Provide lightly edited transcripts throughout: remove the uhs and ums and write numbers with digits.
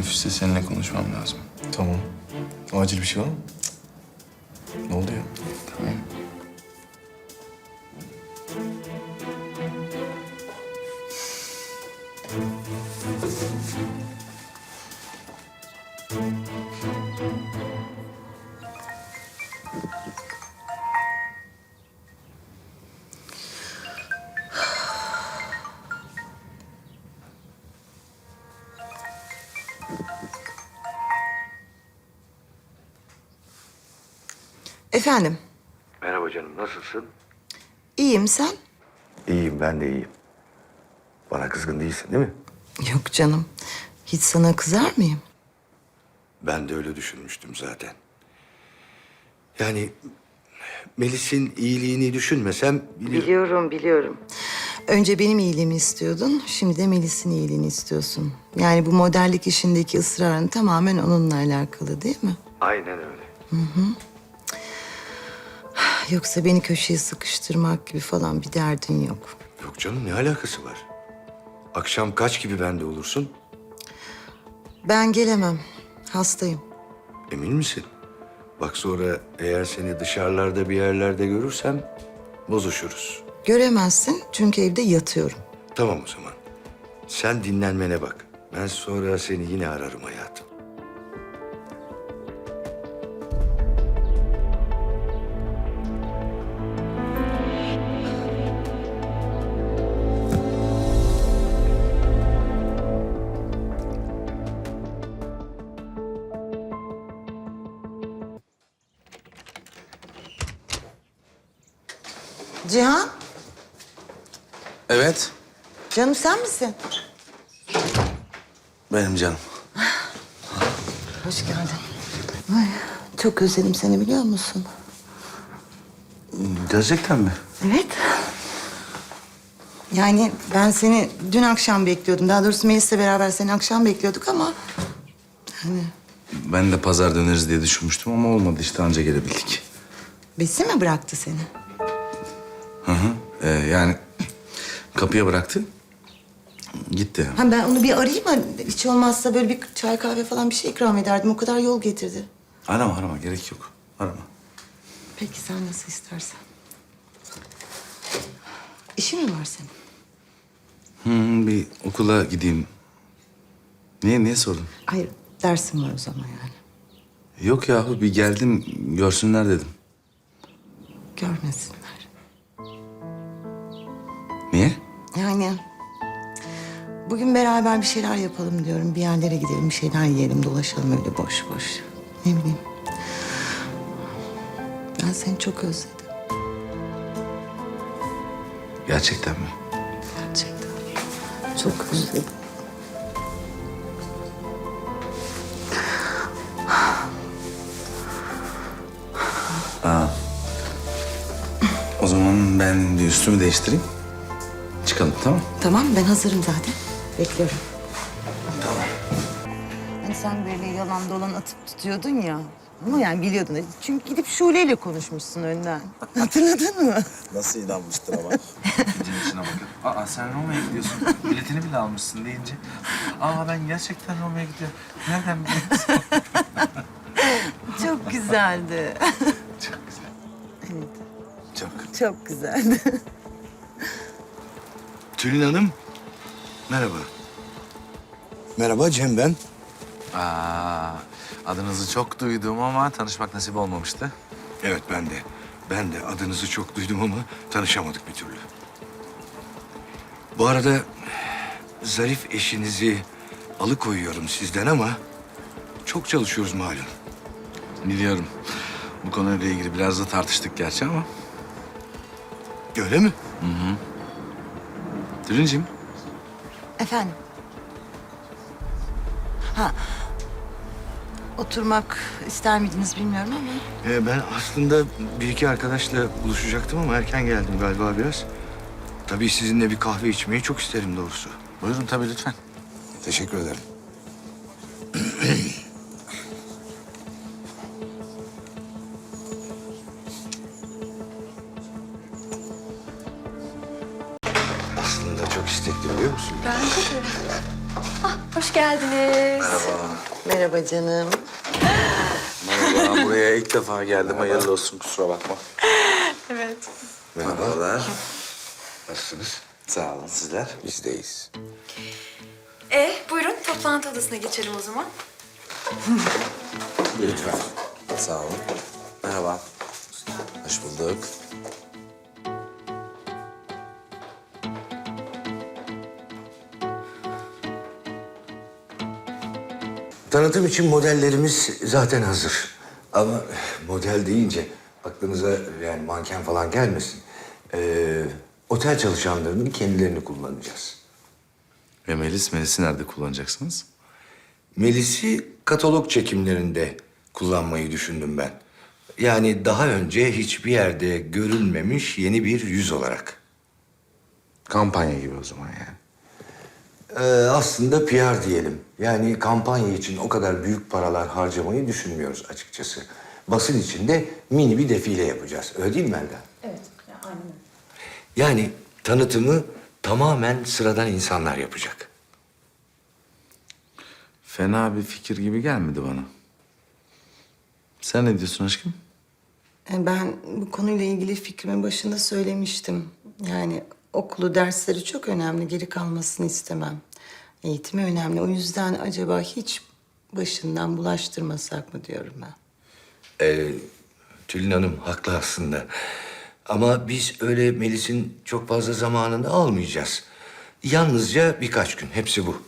Teneffüste seninle konuşmam lazım. Tamam. Acil bir şey var mı? Ne oldu ya? Tamam. Efendim, Merhaba canım, nasılsın? iyiyim sen? İyiyim, ben de iyiyim. Bana kızgın değilsin değil mi? Yok canım, hiç sana kızar mıyım? Ben de öyle düşünmüştüm zaten. Yani Melis'in iyiliğini düşünmesem... Biliyorum. Önce benim iyiliğimi istiyordun, şimdi de Melis'in iyiliğini istiyorsun. Yani bu modellik işindeki ısrarın tamamen onunla alakalı değil mi? Aynen öyle. Yoksa beni köşeye sıkıştırmak gibi falan bir derdin yok. Yok canım, ne alakası var? Akşam kaç gibi bende olursun? Ben gelemem, hastayım. Emin misin? Bak sonra eğer seni dışarılarda bir yerlerde görürsem bozuşuruz. Göremezsin çünkü evde yatıyorum. Tamam o zaman. Sen dinlenmene bak. Ben sonra seni yine ararım hayatım. Cihan, Evet. canım sen misin? Benim canım. Hoş geldin. Ay, çok özledim seni biliyor musun? Gerçekten mi? Evet. Yani ben seni dün akşam bekliyordum. Daha doğrusu Melis'le beraber seni akşam bekliyorduk ama... Hani Ben de pazar döneriz diye düşünmüştüm ama olmadı işte, anca gelebildik. Besi mi bıraktı seni? Yani kapıya bıraktı. Gitti. Ha, ben onu bir arayayım mı? Hiç olmazsa böyle bir çay kahve falan bir şey ikram ederdim. O kadar yol getirdi. Arama gerek yok. Arama. Peki sen nasıl istersen. İşin mi var senin? Bir okula gideyim. Niye sordun? Hayır, dersim var o zaman yani. Yok yahu, bir geldim görsünler dedim. Görmesinler. Niye? Yani bugün beraber bir şeyler yapalım diyorum. Bir yerlere gidelim, bir şeyler yiyelim, dolaşalım öyle boş boş. Ne bileyim. Ben seni çok özledim. Gerçekten mi? Gerçekten. Çok özledim. O zaman ben bir üstümü değiştireyim. Çıkalım, tamam? Tamam, ben hazırım zaten. Bekliyorum. Tamam. Hani sen böyle yalan dolan atıp tutuyordun ya. Ama yani biliyordun. Çünkü gidip Şule'yle konuşmuşsun önden. Hatırladın mı? Nasıl inanmıştır ama? Gidin içine bakın. Aa sen Roma'ya gidiyorsun. Biletini bile almışsın deyince. Aa ben gerçekten Roma'ya gidiyorum. Nereden biliyorsun? Çok güzeldi. Çok güzel. Evet, Çok. çok güzeldi. Tülin Hanım, merhaba. Merhaba, Cem ben. Adınızı çok duydum ama tanışmak nasip olmamıştı. Evet, ben de. Ben de adınızı çok duydum ama tanışamadık bir türlü. Bu arada zarif eşinizi alıkoyuyorum sizden ama çok çalışıyoruz malum. Biliyorum. Bu konuyla ilgili biraz da tartıştık gerçi ama. Öyle mi? Tülinciğim, Efendim? Ha, oturmak ister miydiniz bilmiyorum ama... Ben aslında bir iki arkadaşla buluşacaktım ama erken geldim galiba biraz. Tabii sizinle bir kahve içmeyi çok isterim doğrusu. buyurun tabii lütfen. Teşekkür ederim. Aslında çok istekli biliyor musun? Bence de. Hoş geldiniz. Merhaba canım. Merhaba, buraya ilk defa geldim. Hayırlı olsun, kusura bakma. Evet. Merhabalar. Nasılsınız? Sağ olun, sizler? Bizdeyiz. Buyurun toplantı odasına geçelim o zaman. Lütfen. Sağ olun. Merhaba. Hoş bulduk. Tanıtım için modellerimiz zaten hazır. Ama model deyince aklınıza yani manken falan gelmesin. Otel çalışanlarının kendilerini kullanacağız. Ve Melis'i nerede kullanacaksınız? Melis'i katalog çekimlerinde kullanmayı düşündüm ben. Yani daha önce hiçbir yerde görülmemiş yeni bir yüz olarak. Kampanya gibi o zaman yani. Aslında PR diyelim. Yani kampanya için o kadar büyük paralar harcamayı düşünmüyoruz açıkçası. Basın için de mini bir defile yapacağız. Öyle değil mi Melda? Evet, aynen. Yani tanıtımı tamamen sıradan insanlar yapacak. Fena bir fikir gibi gelmedi bana. Sen ne diyorsun aşkım? Ben bu konuyla ilgili fikrimi başında söylemiştim. Yani okulu, dersleri çok önemli. Geri kalmasını istemem. Eğitimi önemli. O yüzden acaba hiç başından bulaştırmasak mı diyorum ben. Tülin Hanım haklı aslında. Ama biz öyle Melis'in çok fazla zamanını almayacağız. Yalnızca birkaç gün. Hepsi bu.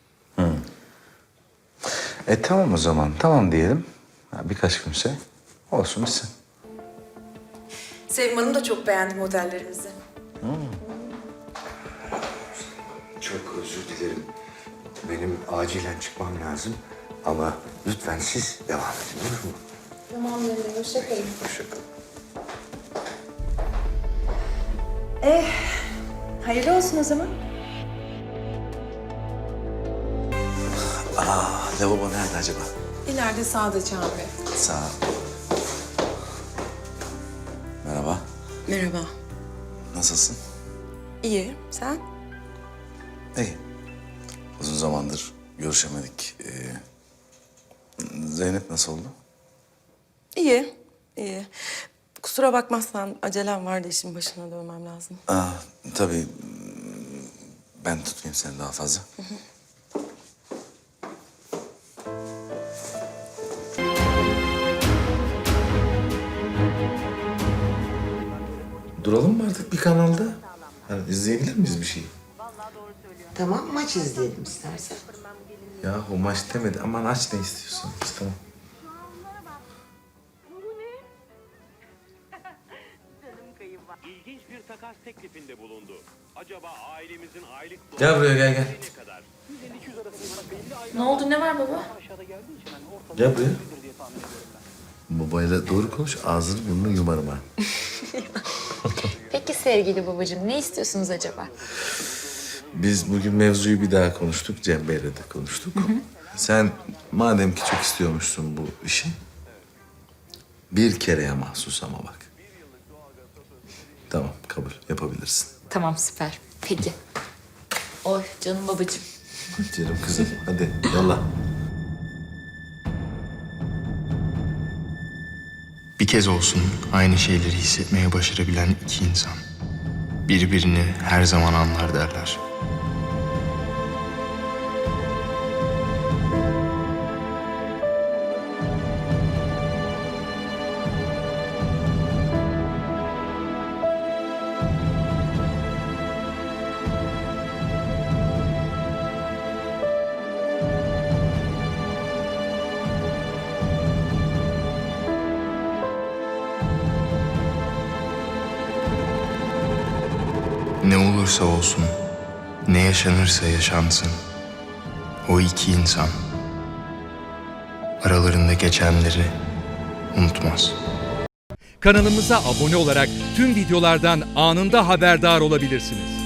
Tamam o zaman. Tamam diyelim. Birkaç günse olsun bitsin. Sevim Hanım da çok beğendi modellerimizi. Çok özür dilerim. Benim acilen çıkmam lazım. Ama lütfen siz devam edin olur mu? Tamam Mehmet, hoşça kalın. Hoşça kalın. Hayırlı olsun o zaman. Lavabo nerede acaba? İleride sağda Çağan Bey. Sağ ol. Merhaba. Merhaba. Nasılsın? İyi, sen? İyi. Uzun zamandır görüşemedik. Zeynep nasıl oldu? İyi, iyi. Kusura bakmazsan acelem vardı, işin başına dönmem lazım. Tabii. Ben tutmayayım seni daha fazla. Duralım mı artık bir kanalda? Yani izleyebilir miyiz bir şey? Tamam, maç izleyelim istersen. Ya o maç demedi. Aman aç ne istiyorsun? Tamam. İlginç bir takas teklifinde bulundu. Acaba ailemizin aylık Gel buraya gel. ne kadar? Ne oldu, ne var baba? Gel buraya. Babayla doğru konuş. Ağzını burnunu yumarım ha. Peki sevgili babacığım, ne istiyorsunuz acaba? Biz bugün mevzuyu bir daha konuştuk. Cem Bey'le de konuştuk. Sen madem ki çok istiyormuşsun bu işi... ...bir kereye mahsus ama bak. Tamam, kabul. Yapabilirsin. Tamam, süper. Peki. Oy canım babacığım. Canım kızım, hadi yolla. Bir kez olsun aynı şeyleri hissetmeye başarabilen iki insan. Birbirini her zaman anlar derler. Ne olursa olsun, ne yaşanırsa yaşansın, o iki insan aralarında geçenleri unutmaz. Kanalımıza abone olarak tüm videolardan anında haberdar olabilirsiniz.